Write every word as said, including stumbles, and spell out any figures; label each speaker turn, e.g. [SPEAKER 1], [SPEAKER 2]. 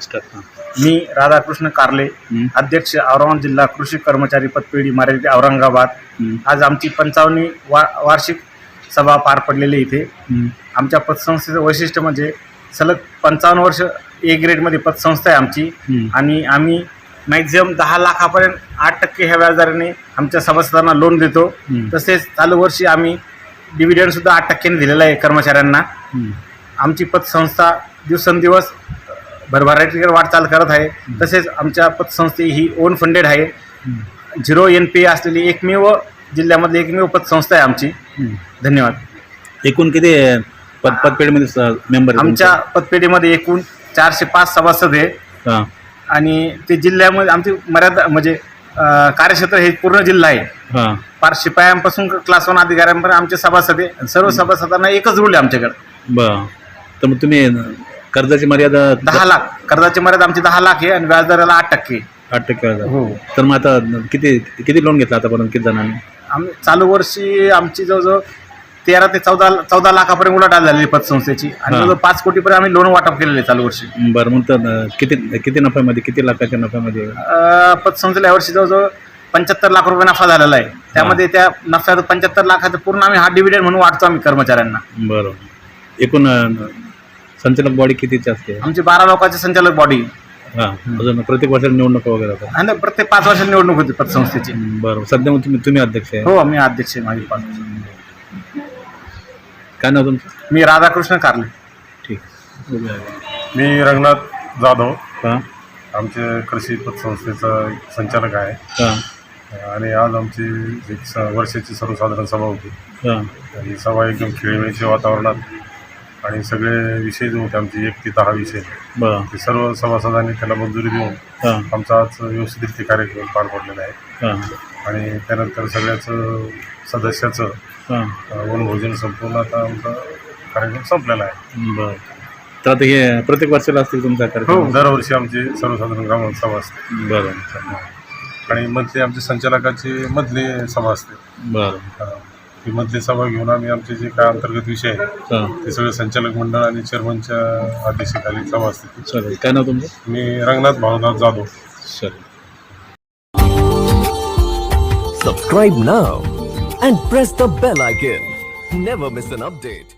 [SPEAKER 1] मी राधाकृष्ण कारले, अध्यक्ष औरंगाबाद जिल्हा कृषी कर्मचारी पतपेढी मर्यादित औरंगाबाद. आज आमची पंचावन्नी वा वार्षिक सभा पार पडलेली इथे. आमच्या पतसंस्थेचं वैशिष्ट्य म्हणजे सलग पंचावन्न वर्ष ए ग्रेडमध्ये पतसंस्था आहे आमची. आणि आम्ही मॅक्झिमम दहा लाखापर्यंत आठ टक्के ह्या व्याजदराने आमच्या सभासदांना लोन देतो. तसेच चालू वर्षी आम्ही डिव्हिडंडसुद्धा आठ टक्क्याने दिलेला आहे कर्मचाऱ्यांना. आमची पतसंस्था दिवसेंदिवस भरभराटीकडे वाटचाल करत आहे. तसेच आमच्या पतसंस्थे ही ओन फंडेड आहे. झिरो एन पी असलेली एकमेव जिल्ह्यामधली एकमेव पतसंस्था आहे आमची. धन्यवाद.
[SPEAKER 2] एकूण किती पत पतपेढीमध्ये मेंबर?
[SPEAKER 1] आमच्या पतपेढीमध्ये एकूण चारशे पाच सभासद आहे. आणि ते जिल्ह्यामध्ये आमची मर्यादा म्हणजे कार्यक्षेत्र हे पूर्ण जिल्हा आहे. पार शिपायांपासून क्लास वन अधिकाऱ्यांपर्यंत आमचे सभासद आहे. सर्व सभासदांना एकच रूल आहे आमच्याकडे.
[SPEAKER 2] बरं. तर मग तुम्ही कर्जाची मर्यादा
[SPEAKER 1] दहा लाख कर्जाची मर्यादा आमची दहा लाख आहे आणि व्याजदराला आठ टक्के
[SPEAKER 2] आठ टक्के व्याज.
[SPEAKER 1] हो.
[SPEAKER 2] तर मग आता किती किती लोन घेतला आतापर्यंत किती जणांनी?
[SPEAKER 1] आम्ही चालू वर्षी आमची जवळजवळ तेरा ते चौदा चौदा लाखापर्यंत उलाढाल झालेली पतसंस्थेची. आणि जवळजवळ पाच कोटीपर्यंत आम्ही लोन वाटप केलेले आहे चालू वर्षी.
[SPEAKER 2] बरं. मग तर किती किती नफ्यामध्ये किती लाखाच्या नफ्यामध्ये
[SPEAKER 1] पतसंस्थेला यावर्षी जवळजवळ पंच्याहत्तर लाख रुपये नफा झालेला आहे. त्यामध्ये त्या नफ्यात पंच्याहत्तर लाखाचं पूर्ण आम्ही हा डिव्हिडंड म्हणून वाटतो आम्ही कर्मचाऱ्यांना.
[SPEAKER 2] बरं. एकूण संचालक बॉडी कितीची असते?
[SPEAKER 1] आमची बारा लोकांची संचालक बॉडी.
[SPEAKER 2] हां. अजून प्रत्येक वर्षाला निवडणूक वगैरे होतात?
[SPEAKER 1] आणि प्रत्येक पाच वर्षाला निवडणूक होती पतसंस्थेची.
[SPEAKER 2] बरं. सध्या मग तुम्ही तुम्ही अध्यक्ष आहे?
[SPEAKER 1] हो, मी अध्यक्ष आहे. माझी पाच वर्ष.
[SPEAKER 2] काय नाव तुमचं?
[SPEAKER 1] मी राधाकृष्ण कारले.
[SPEAKER 2] ठीक.
[SPEAKER 3] मी रंगनाथ जाधव.
[SPEAKER 2] हां.
[SPEAKER 3] आमचे कृषी पतसंस्थेचा संचालक आहे.
[SPEAKER 2] हां.
[SPEAKER 3] आणि आज आमची एक स वर्षाची सर्वसाधारण सभा होती.
[SPEAKER 2] हां.
[SPEAKER 3] ही सभा एकदम खेळीमेळीच्या वातावरणात आणि सगळे विषय जे होते आमचे एक ते दहा विषय
[SPEAKER 2] बरं.
[SPEAKER 3] ते सर्व सभासदांनी त्याला मंजुरी देऊन
[SPEAKER 2] हां.
[SPEAKER 3] आमचा आज व्यवस्थित कार्यक्रम पार पडलेला आहे.
[SPEAKER 2] हां.
[SPEAKER 3] आणि त्यानंतर सगळ्याचं सदस्याचं वनभोजन संपूर्ण आता आमचा कार्यक्रम संपलेला आहे.
[SPEAKER 2] बरं. तर आता हे प्रत्येक वर्षाला असतील तुमचा
[SPEAKER 3] हो,
[SPEAKER 2] कार्यक्रम?
[SPEAKER 3] दरवर्षी आमची सर्वसाधारण ग्रामसभा सभा असते.
[SPEAKER 2] बरं.
[SPEAKER 3] आणि मधली आमच्या संचालकाची मधली सभा असते.
[SPEAKER 2] बरं.
[SPEAKER 3] ही मधली सभा घेऊन आम्ही आमचे जे काय अंतर्गत विषय आहे ते सगळे संचालक मंडळ आणि चेअरमनच्या अध्यक्षतेखाली सभा असते.
[SPEAKER 2] चालेल. काय नाव तुमचं?
[SPEAKER 3] मी रंगनाथ भावनाथ जाधव.
[SPEAKER 2] चालेल.
[SPEAKER 4] Subscribe now and press the bell icon. Never miss an update.